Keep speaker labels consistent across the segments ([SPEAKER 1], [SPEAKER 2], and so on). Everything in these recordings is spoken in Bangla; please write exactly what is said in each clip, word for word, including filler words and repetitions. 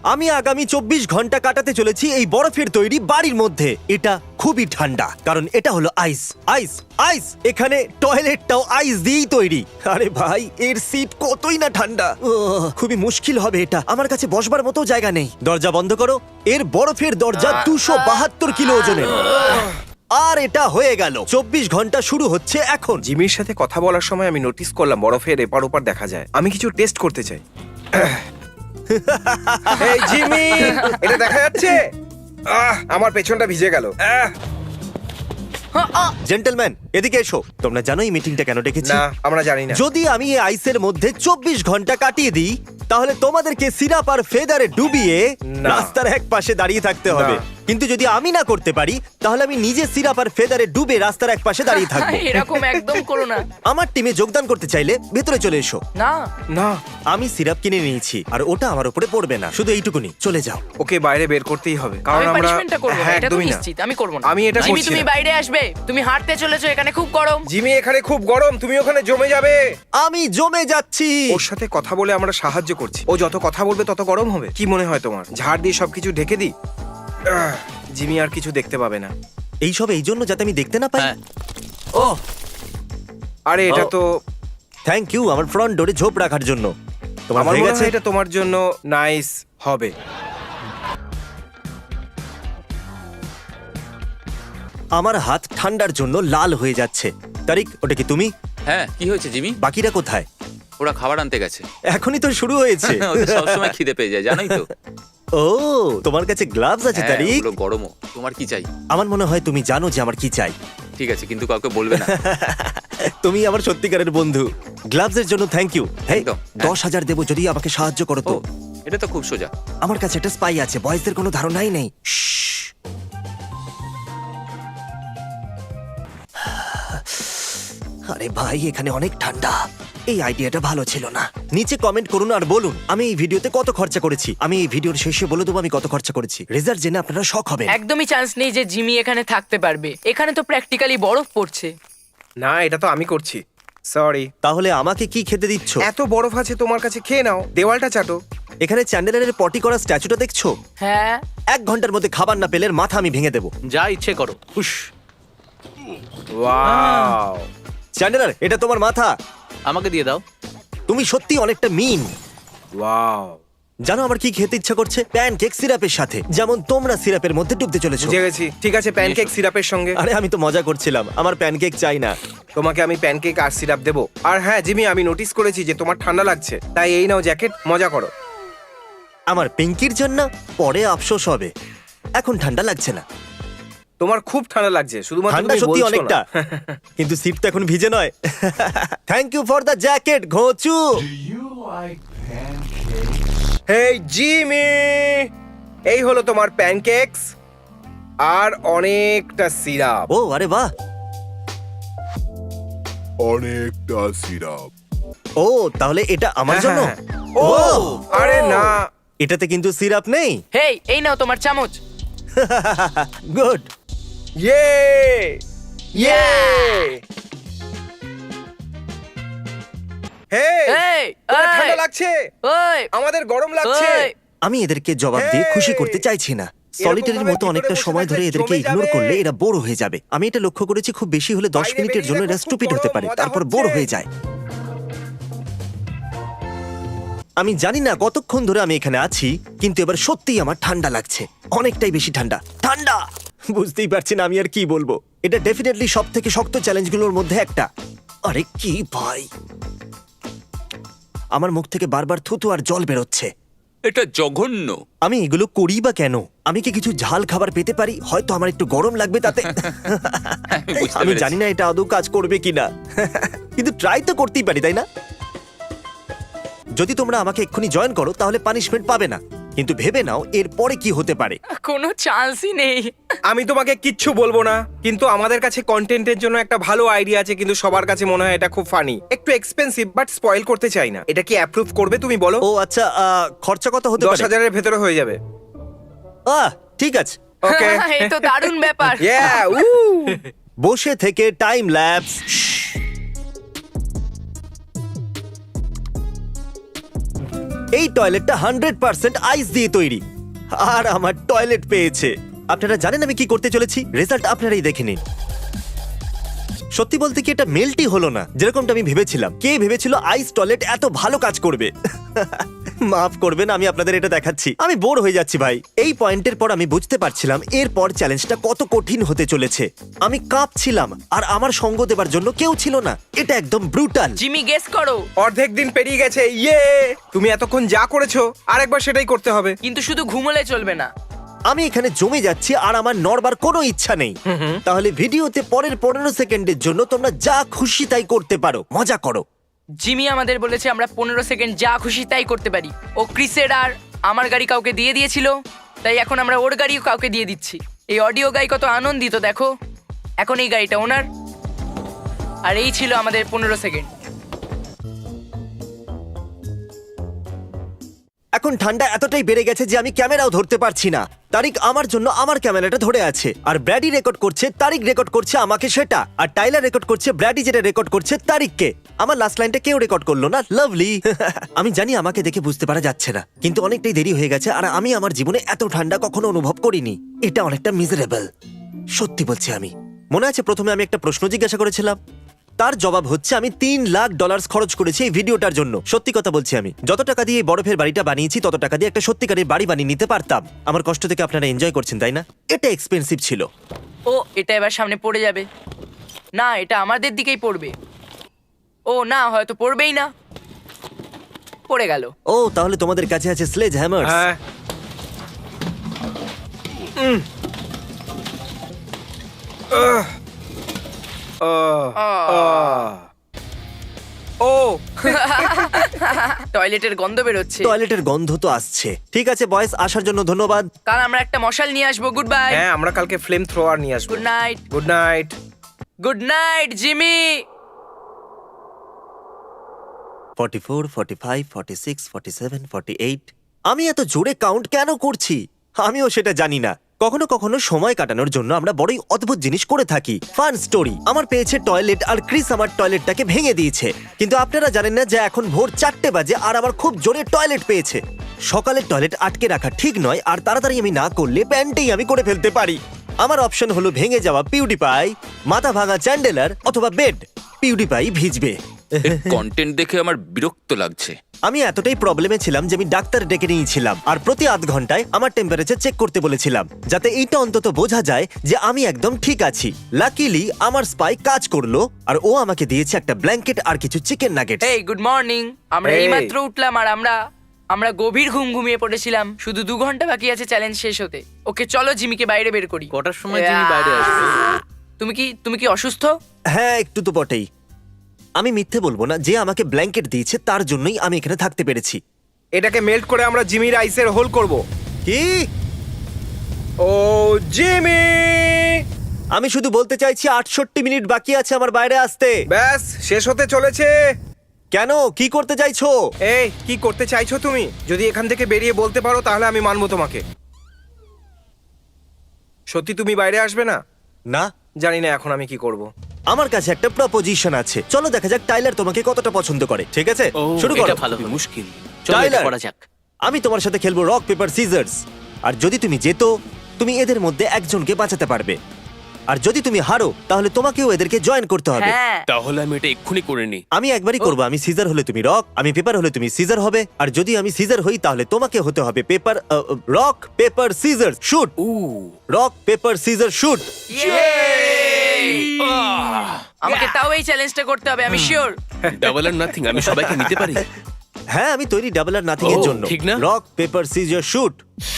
[SPEAKER 1] আমি আগামী চব্বিশ ঘন্টা কাটাতে চলেছি এই বরফের তৈরি বাড়ির মধ্যে। এটা খুবই ঠান্ডা কারণ এটা হলো আইস আইস আইস। এখানে টয়লেটটাও আইস দিয়েই তৈরি। আরে ভাই, এর সিট কতই না ঠান্ডা। উহ, খুবই মুশকিল হবে এটা। আমার কাছে বসবার মতো জায়গা নেই। দরজা বন্ধ করো। এর বরফের দরজা দুশো বাহাত্তর কিলো ওজনের। আর এটা হয়ে গেল। চব্বিশ ঘন্টা শুরু হচ্ছে এখন।
[SPEAKER 2] জিমির সাথে কথা বলার সময় আমি নোটিস করলাম বরফের এপার ওপার দেখা যায়। আমি কিছু টেস্ট করতে চাই। এই জিমি, এটা দেখা যাচ্ছে? আহ, আমার পেছনটা ভিজে গেল। আহ,
[SPEAKER 1] জেন্টলম্যান, এদিকে এসো। তোমরা জানো এই মিটিংটা কেন ডেকেছি?
[SPEAKER 2] না, আমরা জানি না।
[SPEAKER 1] যদি আমি এই আইসের মধ্যে চব্বিশ ঘন্টা কাটিয়ে দিই তাহলে তোমাদেরকে সিরাপ আর ফেদারে ডুবিয়ে
[SPEAKER 2] না।
[SPEAKER 1] রাস্তার এক পাশে দাঁড়িয়ে থাকতে হবে।
[SPEAKER 2] না।
[SPEAKER 1] কিন্তু যদি আমি না করতে পারি তাহলে আমি নিজে সিরাপ আর ফেদারে ডুবে রাস্তার এক পাশে দাঁড়িয়ে থাকবো।
[SPEAKER 3] এরকম একদম করো না।
[SPEAKER 1] আমার টিমে যোগদান করতে চাইলে ভেতরে চলে এসো।
[SPEAKER 3] না,
[SPEAKER 2] না,
[SPEAKER 1] আমি সিরাপ কিনে নিয়েছি আর ওটা আমার উপরে পড়বে না। শুধু এইটুকুনি, চলে যাও।
[SPEAKER 2] ওকে বাইরে বের করতেই হবে কারণ
[SPEAKER 3] আমি
[SPEAKER 2] আমরা
[SPEAKER 3] পানিশমেন্টটা করব না,
[SPEAKER 2] হ্যাঁ,
[SPEAKER 3] এটা তো
[SPEAKER 2] একদমই না।
[SPEAKER 3] নিশ্চিত আমি করব না।
[SPEAKER 2] আমি এটা
[SPEAKER 3] জিমি,
[SPEAKER 2] করছি
[SPEAKER 3] তুমি
[SPEAKER 2] না।
[SPEAKER 3] বাইরে আসবে। তুমি হাঁটতে চলেছো, এখানে খুব গরম।
[SPEAKER 2] জিমি, এখানে খুব গরম, তুমি ওখানে জমে যাবে।
[SPEAKER 1] আমি জমে যাচ্ছি।
[SPEAKER 2] ওর সাথে কথা বলে আমরা সাহায্য করছি। ও যত কথা বলবে তত গরম হবে। কি মনে হয় তোমার? ঝাড় দিয়ে সবকিছু ঢেকে দিই? আহ, জিমি আর কিছু দেখতে পাবে না।
[SPEAKER 1] এইসব এই জন্য যাতে আমি দেখতে না পাই।
[SPEAKER 4] হ্যাঁ।
[SPEAKER 1] ও
[SPEAKER 2] আরে এটা
[SPEAKER 1] ও।
[SPEAKER 2] তো
[SPEAKER 1] থ্যাংক ইউ আমার ফ্রন্ট ডোরে ঝোপ রাখার জন্য। তোমার
[SPEAKER 2] আমার
[SPEAKER 1] হয়ে
[SPEAKER 2] মনে
[SPEAKER 1] গেছে?
[SPEAKER 2] হয় এটা তোমার জন্য নাইস হবে।
[SPEAKER 1] আমার হাত ঠান্ডার জন্য লাল হয়ে যাচ্ছে। তারিক, ওটা কি তুমি?
[SPEAKER 4] হ্যাঁ, কি হয়েছে জিমি?
[SPEAKER 1] বাকিরা কোথায়?
[SPEAKER 4] ওরা খাবার আনতে গেছে।
[SPEAKER 1] এখনই তো শুরু হয়েছে।
[SPEAKER 4] ওদের সবসময় খিদে পেয়ে যায়, জানোই তো।
[SPEAKER 1] ও, তোমার কাছে গ্লাভস আছে
[SPEAKER 4] হ্যাঁ,
[SPEAKER 1] তারিক?
[SPEAKER 4] ওগুলো গরমও। তোমার কি চাই?
[SPEAKER 1] আমার মনে হয় তুমি জানো যে আমার কি চাই।
[SPEAKER 4] ঠিক আছে, কিন্তু কাউকে বলবে না।
[SPEAKER 1] তুমি আমার সত্যিকারের বন্ধু। গ্লাভসের জন্য থ্যাংক ইউ। হ্যাঁ,
[SPEAKER 4] একদম, হ্যাঁ।
[SPEAKER 1] দশ হাজার দেবো যদি আমাকে সাহায্য করো তো।
[SPEAKER 4] ও, এটা তো খুব সোজা।
[SPEAKER 1] আমার কাছে একটা স্পাই আছে, বয়েজদের কোনো ধারণাই নেই। শ্শ্। আরে ভাই, এখানে অনেক ঠান্ডা। এই আইডিয়াটা ভালো ছিল না। নিচে কমেন্ট করুন আর বলুন আমি এই ভিডিওতে কত খরচা করেছি। আমি এই ভিডিওর শেষে বলে দেবো আমি কত খরচা করেছি। রেজাল্ট জেনে আপনারা শক হবেন।
[SPEAKER 3] একদমই চান্স নেই যে জিমি এখানে থাকতে পারবে। এখানে তো প্র্যাকটিক্যালি বরফ পড়ছে।
[SPEAKER 2] না, এটা তো আমি করছি। সরি।
[SPEAKER 1] তাহলে আমাকে কি খেতে দিচ্ছ?
[SPEAKER 2] এত বরফ আছে তোমার কাছে, খেয়ে নাও। দেওয়ালটা চাটো।
[SPEAKER 1] এখানে চ্যান্ডেলারের পটি করা স্ট্যাচুটা দেখছো?
[SPEAKER 3] হ্যাঁ,
[SPEAKER 1] এক ঘন্টার মধ্যে খাবার না পেলে এর মাথা আমি ভেঙে দেবো।
[SPEAKER 4] যা ইচ্ছে করো। হুশ।
[SPEAKER 2] ওয়াও।
[SPEAKER 1] চ্যান্ডেলার, এটা তোমার মাথা।
[SPEAKER 4] আমাকে দিয়ে দাও।
[SPEAKER 1] তুমি সত্যি অনেকটা মিন।
[SPEAKER 2] ওয়াও।
[SPEAKER 1] জানো আমার কি খেতে ইচ্ছা করছে? প্যানকেক সিরাপের সাথে, যেমন তোমরা সিরাপের মধ্যে ডুবতে চলেছো।
[SPEAKER 2] বুঝে গেছি। ঠিক আছে, প্যানকেক সিরাপের সঙ্গে।
[SPEAKER 1] আরে আমি তো মজা করছিলাম। আমার প্যানকেক চাই না।
[SPEAKER 2] তোমাকে আমি প্যানকেক আর সিরাপ দেবো। আর হ্যাঁ জিমি, আমি নোটিস করেছি যে তোমার ঠান্ডা লাগছে, তাই এই নাও জ্যাকেট, মজা করো।
[SPEAKER 1] আমার পিঙ্কির জন্য পরে আফসোস হবে। এখন ঠান্ডা লাগছে না।
[SPEAKER 2] তোমার খুব ঠান্ডা লাগছে, শুধুমাত্র
[SPEAKER 1] ঠান্ডা
[SPEAKER 2] তুমি
[SPEAKER 1] সত্যি
[SPEAKER 2] বলছো
[SPEAKER 1] অনেকটা,
[SPEAKER 2] না।
[SPEAKER 1] কিন্তু সিট তো এখন ভিজে নয়। Thank you for the jacket, ঘোচু।
[SPEAKER 2] হেই জিমি, এই হলো তোমার প্যানকেকস আর অনেকটা সিরাপ।
[SPEAKER 1] ও আরে বাহ।
[SPEAKER 5] অনেকটা সিরাপ।
[SPEAKER 1] ও, তাহলে এটা আমার
[SPEAKER 2] হ্যাঁ,
[SPEAKER 1] জন্য?
[SPEAKER 2] হ্যাঁ। ও আরে না,
[SPEAKER 1] এটাতে কিন্তু সিরাপ নেই।
[SPEAKER 3] হেই, এই নাও তোমার চামচ।
[SPEAKER 1] গুড।
[SPEAKER 2] ইয়ে ইয়ে। হেই,
[SPEAKER 3] এই,
[SPEAKER 2] তোমার
[SPEAKER 3] এই।
[SPEAKER 2] ঠান্ডা লাগছে?
[SPEAKER 3] ওই,
[SPEAKER 2] আমাদের গরম লাগছে।
[SPEAKER 3] ওই।
[SPEAKER 1] আমি এদেরকে জবাব দিয়ে
[SPEAKER 2] Hey!
[SPEAKER 1] খুশি করতে চাইছি না। সলিটারির মতো
[SPEAKER 2] ভিতরে
[SPEAKER 1] অনেকটা
[SPEAKER 2] বসে
[SPEAKER 1] সময় ধরে
[SPEAKER 2] থাকলে
[SPEAKER 1] এদেরকে
[SPEAKER 2] জমে
[SPEAKER 1] ইগনোর
[SPEAKER 2] যাবে।
[SPEAKER 1] করলে এরা বোর হয়ে যাবে। আমি এটা লক্ষ্য করেছি, খুব বেশি হলে দশ
[SPEAKER 2] বাইরে
[SPEAKER 1] মিনিটের
[SPEAKER 2] বেরিয়ে
[SPEAKER 1] জন্য
[SPEAKER 2] দেখো,
[SPEAKER 1] এরা
[SPEAKER 2] খুব
[SPEAKER 1] স্টুপিড হতে
[SPEAKER 2] গরম,
[SPEAKER 1] পারে,
[SPEAKER 2] মজা
[SPEAKER 1] তারপর
[SPEAKER 2] হচ্ছে।
[SPEAKER 1] বোর হয়ে যায়। আমি জানি না কতক্ষণ ধরে আমি এখানে আছি, কিন্তু এবার সত্যিই আমার ঠান্ডা লাগছে। অনেকটাই বেশি ঠান্ডা। ঠান্ডা! বুঝতেই পারছি না আমি আর কি বলবো। এটা ডেফিনেটলি সব থেকে শক্ত চ্যালেঞ্জগুলোর মধ্যে একটা। আরে কি ভাই, আমার মুখ থেকে বারবার থুতু আর জল বেরোচ্ছে।
[SPEAKER 4] এটা জঘন্য।
[SPEAKER 1] আমি এগুলো করি বা কেন? আমি কি কিছু ঝাল খাবার পেতে পারি? হয়তো আমার একটু গরম লাগবে তাতে।
[SPEAKER 4] আমি বুঝতে
[SPEAKER 1] আমি
[SPEAKER 4] পেরেছি।
[SPEAKER 1] জানি না এটা আদৌ কাজ করবে কিনা, কিন্তু ট্রাই তো করতেই পারি, তাই না? যদি তোমরা আমাকে এক্ষুনি জয়েন করো তাহলে পানিশমেন্ট পাবে না, কিন্তু ভেবে নাও এর পরে কি হতে পারে।
[SPEAKER 3] কোনো চান্সই নেই।
[SPEAKER 2] আমি তোমাকে কিচ্ছু বলবো না, কিন্তু আমাদের কাছে কন্টেন্টের জন্য একটা ভালো আইডিয়া আছে, কিন্তু সবার কাছে মনে হয় এটা খুব ফানি। একটু এক্সপেন্সিভ, বাট স্পয়েল করতে চাই না। এটা কি অ্যাপ্রুভ করবে তুমি বলো?
[SPEAKER 1] ও আচ্ছা, আহ, খরচা কত হতে
[SPEAKER 2] দশ
[SPEAKER 1] পারে?
[SPEAKER 2] হাজারের ভেতরে হয়ে যাবে।
[SPEAKER 1] আহ, ঠিক আছে।
[SPEAKER 2] ওকে।
[SPEAKER 3] এই তো দারুণ ব্যাপার।
[SPEAKER 2] ইয়া, উ।
[SPEAKER 1] বসে থেকে টাইম ল্যাপস। এই টয়লেটটা হান্ড্রেড পার্সেন্ট আইস দিয়ে তৈরি আর আমার টয়লেট পেয়েছে। আপনারা জানেন আমি কি করতে চলেছি? রেজাল্ট আপনারাই দেখে নিন। সত্যি বলতে কি এটা মেল্টই হলো না যেরকমটা আমি ভেবেছিলাম। কে ভেবেছিল আইস টয়লেট এত ভালো কাজ করবে? মাফ করবেন, আমি আপনাদের এটা দেখাচ্ছি। আমি বোর হয়ে যাচ্ছি ভাই। এই পয়েন্টের পর আমি বুঝতে পারছিলাম এরপর চ্যালেঞ্জটা কত কঠিন হতে চলেছে। আমি কাঁপছিলাম আর আমার সঙ্গ দেবার জন্য কেউ ছিল না। এটা একদম ব্রুটাল।
[SPEAKER 3] জিমি গেস করো।
[SPEAKER 2] অর্ধেক দিন পেরিয়ে গেছে, ইয়ে! তুমি এতক্ষণ যা করেছো আরেকবার সেটাই করতে হবে।
[SPEAKER 3] কিন্তু শুধু ঘুমোলে চলবে না।
[SPEAKER 1] আমি এখানে জমে যাচ্ছি আর আমার নড়বার কোনো ইচ্ছা নেই। তাহলে ভিডিওতে পরের পনেরো সেকেন্ডের জন্য তোমরা যা খুশি তাই করতে পারো, মজা করো।
[SPEAKER 3] জিমি আমাদের বলেছে আমরা পনেরো সেকেন্ড যা খুশি তাই করতে পারি। ও ক্রিসের আর আমার গাড়ি কাউকে দিয়ে দিয়েছিল, তাই এখন আমরা ওর গাড়িও কাউকে দিয়ে দিচ্ছি। এই অডিও গাই কত আনন্দিত দেখো। এখন এই গাড়িটা ওনার, আর এই ছিল আমাদের পনেরো সেকেন্ড।
[SPEAKER 1] এখন ঠান্ডা এতটাই বেড়ে গেছে যে আমি ক্যামেরাও ধরতে পারছি না। তারিক আমার জন্য আমার ক্যামেরাটা ধরে আছে, আর ব্র্যাডি রেকর্ড করছে, তারিক রেকর্ড করছে আমাকে সেটা, আর টাইলার রেকর্ড করছে ব্র্যাডি যেটা রেকর্ড করছে তারিককে। আমার লাস্ট লাইনটা কেউ রেকর্ড করলো না। লাভলি। আমি জানি আমাকে দেখে বুঝতে পারা যাচ্ছে না, কিন্তু অনেকটাই দেরি হয়ে গেছে আর আমি আমার জীবনে এত ঠান্ডা কখনো অনুভব করিনি। এটা অনেকটা মিজারেবল, সত্যি বলছি। আমি মনে আছে প্রথমে আমি একটা প্রশ্ন জিজ্ঞাসা করেছিলাম, তার জবাব হচ্ছে আমি তিন লাখ ডলার খরচ করেছি এই ভিডিওটার জন্য। সত্যি কথা বলছি, আমি যত টাকা দিয়ে এই বরফের বাড়িটা বানিয়েছি তত টাকা দিয়ে একটা সত্যিকারের বাড়ি বানিয়ে নিতে পারতাম। আমার কষ্ট থেকে আপনারা এনজয় করছেন তাই না? এটা এক্সপেন্সিভ ছিল।
[SPEAKER 3] ও এটা এবার সামনে পড়ে যাবে না, এটা আমাদের দিকেই পড়বে। ও না, হয়তো পড়বেই না, পড়ে গেল।
[SPEAKER 1] ও তাহলে তোমাদের কাছে আছে স্লেজ হ্যামার।
[SPEAKER 2] হ্যাঁ। উম। আহ। আহ। আহ। ও
[SPEAKER 3] টয়লেটের গন্ধ বেরোচ্ছে।
[SPEAKER 1] টয়লেটের গন্ধ তো আসছে। ঠিক আছে বয়েস, আসার জন্য ধন্যবাদ।
[SPEAKER 3] কাল আমরা একটা মশাল নিয়ে আসবো। Good bye.
[SPEAKER 2] হ্যাঁ, আমরা কালকে ফ্লেম থ্রোয়ার নিয়ে আসবো।
[SPEAKER 3] Good night.
[SPEAKER 2] Good night.
[SPEAKER 3] Good night Jimmy.
[SPEAKER 1] Forty four, forty five, forty six, forty seven, forty eight. আমি এত জোরে কাউন্ট কেন করছি আমিও সেটা জানি না। কখনো কখনো সময় কাটানোর জন্য আমরা বড়ই অদ্ভুত জিনিস করে থাকি। ফান স্টোরি আমার পেয়েছে টয়লেট, আর ক্রিস আমার টয়লেটটাকে ভেঙে দিয়েছে। কিন্তু আপনারা জানেন না যে এখন ভোর চারটে বাজে আর আমার খুব জোরে টয়লেট পেয়েছে। সকালের টয়লেট আটকে রাখা ঠিক নয়, আর তাড়াতাড়ি আমি না করলে প্যান্টেই আমি করে ফেলতে পারি। আমার অপশন হলো ভেঙে যাওয়া পিউডিপাই, মাথা ভাঙা চ্যান্ডেলার, অথবা বেড। পিউডিপাই ভিজবে।
[SPEAKER 4] কন্টেন্ট দেখে আমার বিরক্ত লাগছে।
[SPEAKER 1] আমি এতটাই প্রবলেমে ছিলাম যে আমি ডাক্তার ডেকে নিয়েছিলাম, আর প্রতি আধ ঘন্টায় আমার টেম্পারেচার চেক করতে বলেছিলাম, যাতে এইটা অন্তত বোঝা যায় যে আমি একদম ঠিক আছি। লাকিলি আমার স্পাই কাজ করলো, আর ও আমাকে দিয়েছে একটা ব্ল্যাঙ্কেট আর কিছু চিকেন নাগেট।
[SPEAKER 3] এই গুড মর্নিং। আমরা
[SPEAKER 2] Hey.
[SPEAKER 3] এইমাত্র উঠলাম আর আমরা আমরা গভীর ঘুম ঘুমিয়ে পড়েছিলাম। শুধু দু ঘন্টা বাকি আছে চ্যালেঞ্জ শেষ হতে। ওকে চলো জিমিকে বাইরে বের করি।
[SPEAKER 4] কটার সময় জিমি বাইরে আসবে?
[SPEAKER 3] তুমি কি তুমি কি অসুস্থ?
[SPEAKER 1] হ্যাঁ একটু তো বটেই। আমি মিথ্যে বলবো না, যে আমাকে ব্ল্যাঙ্কেট দিয়েছে তার জন্যই আমি এখানে থাকতে পেরেছি।
[SPEAKER 2] এটাকে মেল্ট করে আমরা জিমির আইসের হোল করব।
[SPEAKER 1] কি?
[SPEAKER 2] ও জিমি!
[SPEAKER 1] আমি শুধু বলতে চাইছি আটষট্টি মিনিট বাকি আছে আমার বাইরে আসতে।
[SPEAKER 2] ব্যাস শেষ হতে চলেছে।
[SPEAKER 1] কেন, কি করতে চাইছো?
[SPEAKER 2] এই কি করতে চাইছো তুমি? যদি এখান থেকে বেরিয়ে বলতে পারো তাহলে আমি মানবো তোমাকে। সত্যি তুমি বাইরে আসবে না?
[SPEAKER 1] না,
[SPEAKER 2] জানি না এখন আমি কি করব।
[SPEAKER 1] আমার কাছে একটা প্রপোজিশন আছে। চলো দেখা যাক টাইলার তোমাকে কতটা পছন্দ করে। ঠিক আছে, শুরু করো।
[SPEAKER 4] এটা ভালো হবে। মুশকিল। চলো এটা
[SPEAKER 1] টাইলার।
[SPEAKER 4] করা যাক।
[SPEAKER 1] আমি তোমার সাথে খেলবো রক পেপার সিজার্স, আর যদি তুমি জেতো তুমি এদের মধ্যে একজনকে বাঁচাতে পারবে, আর যদি তুমি হারো তাহলে তোমাকেও এদেরকে জয়েন করতে হবে।
[SPEAKER 3] হ্যাঁ।
[SPEAKER 6] তাহলে আমি এটা এক্ষুনি করে নিই।
[SPEAKER 1] আমি একবারই করবো। আমি সিজার হলে তুমি রক, আমি পেপার হলে তুমি সিজার হবে, আর যদি আমি সিজার হই তাহলে তোমাকে হতে হবে paper. Rock paper scissor shoot.
[SPEAKER 6] Uh
[SPEAKER 1] rock paper scissor shoot.
[SPEAKER 3] আমাকে তাও এই চ্যালেঞ্জটা করতে হবে, আমি শিওর।
[SPEAKER 6] ডাবল আর নাথিং, আমি সবাইকে নিতে পারি।
[SPEAKER 1] হ্যাঁ আমি তৈরি ডাবল আর নাথিং এর
[SPEAKER 6] ও,
[SPEAKER 1] জন্য।
[SPEAKER 6] ঠিক না?
[SPEAKER 1] Rock paper scissor shoot.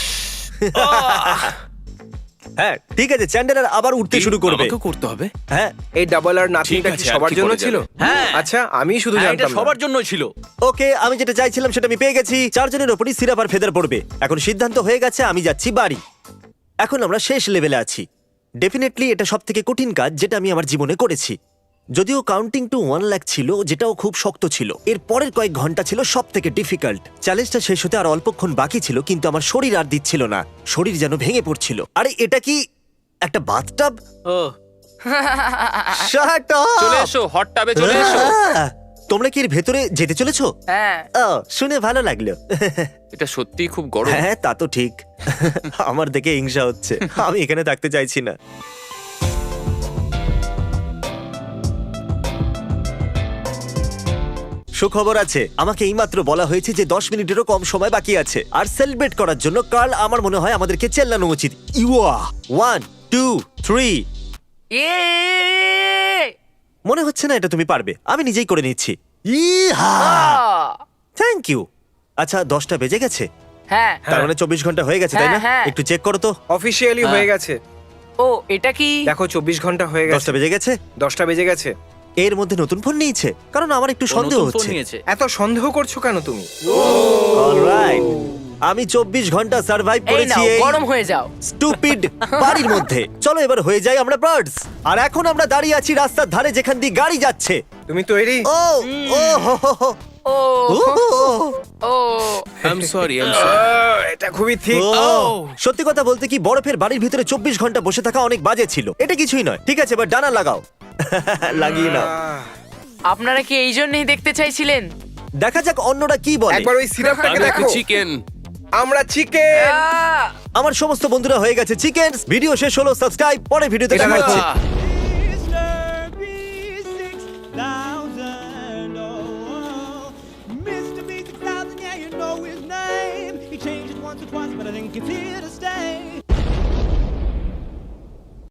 [SPEAKER 1] হ্যাঁ ঠিক আছে, চ্যান্ডেলার আবার উঠতে শুরু করবে।
[SPEAKER 6] আমাকেও করতে হবে।
[SPEAKER 1] হ্যাঁ
[SPEAKER 2] এই ডাবল আর নাথিংটা
[SPEAKER 6] ঠিক
[SPEAKER 2] কি
[SPEAKER 6] আছে, আর
[SPEAKER 2] সবার
[SPEAKER 6] কি
[SPEAKER 2] জন্য
[SPEAKER 6] করা
[SPEAKER 2] ছিল?
[SPEAKER 6] যাবে?
[SPEAKER 4] হ্যাঁ।
[SPEAKER 2] আচ্ছা, আমি শুধু
[SPEAKER 4] হ্যাঁ, এটা
[SPEAKER 2] জানতাম না।
[SPEAKER 4] সবার জন্যই ছিল।
[SPEAKER 1] ওকে, আমি যেটা চাইছিলাম সেটা আমি পেয়ে গেছি। চারজনের ওপরই সিরাপ আর ফেদার পড়বে। এখন সিদ্ধান্ত হয়ে গেছে, আমি যাচ্ছি বাড়ি। এখন আমরা শেষ লেভেলে আছি। ডেফিনেটলি এটা সব থেকে কঠিন কাজ যেটা আমি আমার জীবনে করেছি। যদিও কাউন্টিং টু ওয়ান লাখ ছিল, যেটাও খুব শক্ত ছিল। এর পরের কয়েক ঘন্টা ছিল সব থেকে ডিফিকাল্ট। চ্যালেঞ্জটা শেষ হতে আর অল্পক্ষণ বাকি ছিল, কিন্তু আমার শরীর আর দিচ্ছিল না। শরীর যেন ভেঙে পড়ছিল। আরে এটা কি একটা বাথটাব?
[SPEAKER 4] ও
[SPEAKER 1] শাট আপ!
[SPEAKER 4] চলে এসো, হট টাবে চলে এসো।
[SPEAKER 1] তোমরা কি এর ভেতরে যেতে চলেছো?
[SPEAKER 3] হ্যাঁ
[SPEAKER 1] ও, শুনে ভালো লাগলো।
[SPEAKER 4] এটা সত্যিই খুব গরম।
[SPEAKER 1] হ্যাঁ তা তো ঠিক। আমার দেখে হিংসা হচ্ছে, আমি এখানে থাকতে চাইছি না। সুখবর আছে, আমাকে এইমাত্র বলা হয়েছে যে দশ মিনিটেরও কম সময় বাকি আছে, আর সেলিব্রেট করার জন্য কার্ল আমার মনে হয় আমাদেরকে চেল্লানো উচিত। ইউয়া ওয়ান টু থ্রি।
[SPEAKER 3] এ
[SPEAKER 1] মনে হচ্ছে না এটা তুমি পারবে, আমি নিজেই করে নিচ্ছি। ইহা থ্যাংক ইউ। আচ্ছা দশটা বেজে গেছে,
[SPEAKER 3] হ্যাঁ
[SPEAKER 1] তার মানে চব্বিশ ঘন্টা হয়ে গেছে তাই না?
[SPEAKER 3] হ্যাঁ, হ্যাঁ।
[SPEAKER 1] একটু চেক করো তো।
[SPEAKER 2] অফিসিয়ালি
[SPEAKER 4] হ্যাঁ।
[SPEAKER 2] হয়ে গেছে।
[SPEAKER 3] ও এটা কি?
[SPEAKER 2] দেখো চব্বিশ ঘন্টা হয়ে গেছে।
[SPEAKER 1] দশটা বেজে গেছে।
[SPEAKER 2] দশটা বেজে গেছে।
[SPEAKER 1] এর মধ্যে নতুন ফোন নিয়েছে, কারণ আমার একটু
[SPEAKER 4] ও
[SPEAKER 1] সন্দেহ
[SPEAKER 4] নতুন ফোন
[SPEAKER 1] হচ্ছে।
[SPEAKER 4] নিয়েছে।
[SPEAKER 2] এত সন্দেহ করছো কেন তুমি?
[SPEAKER 1] অলরাইট, আমি চব্বিশ ঘন্টা সার্ভাইভ
[SPEAKER 3] এই
[SPEAKER 1] করেছি
[SPEAKER 3] নাও
[SPEAKER 1] এই
[SPEAKER 3] গরম হয়ে যাও।
[SPEAKER 1] স্টুপিড বাড়ির মধ্যে। চলো এবার হয়ে যাই আমরা বার্ডস। আর এখন আমরা দাঁড়িয়ে আছি রাস্তার ধারে যেখান দিয়ে গাড়ি যাচ্ছে।
[SPEAKER 2] তুমি তৈরি?
[SPEAKER 1] ও ও হো হো হো।
[SPEAKER 3] ও
[SPEAKER 1] ও, হো, হো।
[SPEAKER 3] Oh
[SPEAKER 6] I am sorry I am sorry
[SPEAKER 2] ah, এটা খুবই ঠিক।
[SPEAKER 1] ও, সত্যি কথা বলতে কি বরফের বাড়ির ভিতরে চব্বিশ ঘন্টা বসে থাকা অনেক বাজে ছিল। এটা কিছুই নয়, ঠিক আছে এবার ডানা লাগাও। লাগিয়ে নাও।
[SPEAKER 3] আপনারা কি এই জন্যই দেখতে চাইছিলেন?
[SPEAKER 1] দেখা যাক অন্যরা কি বলে।
[SPEAKER 2] একবার ওই সিরাপটাকে
[SPEAKER 6] আমি
[SPEAKER 2] দেখো।
[SPEAKER 6] চিকেন
[SPEAKER 2] আমরা চিকেন।
[SPEAKER 3] আহ!
[SPEAKER 1] আমার সমস্ত বন্ধুরা হয়ে গেছে চিকেন। ভিডিও শেষ হলো, সাবস্ক্রাইব, পরে ভিডিওতে
[SPEAKER 2] এটা
[SPEAKER 1] দেখা
[SPEAKER 2] দেখো।
[SPEAKER 1] হচ্ছে।
[SPEAKER 7] Mister B six thousand, yeah, you know his name. He changed it once or twice, but I think it's here to stay.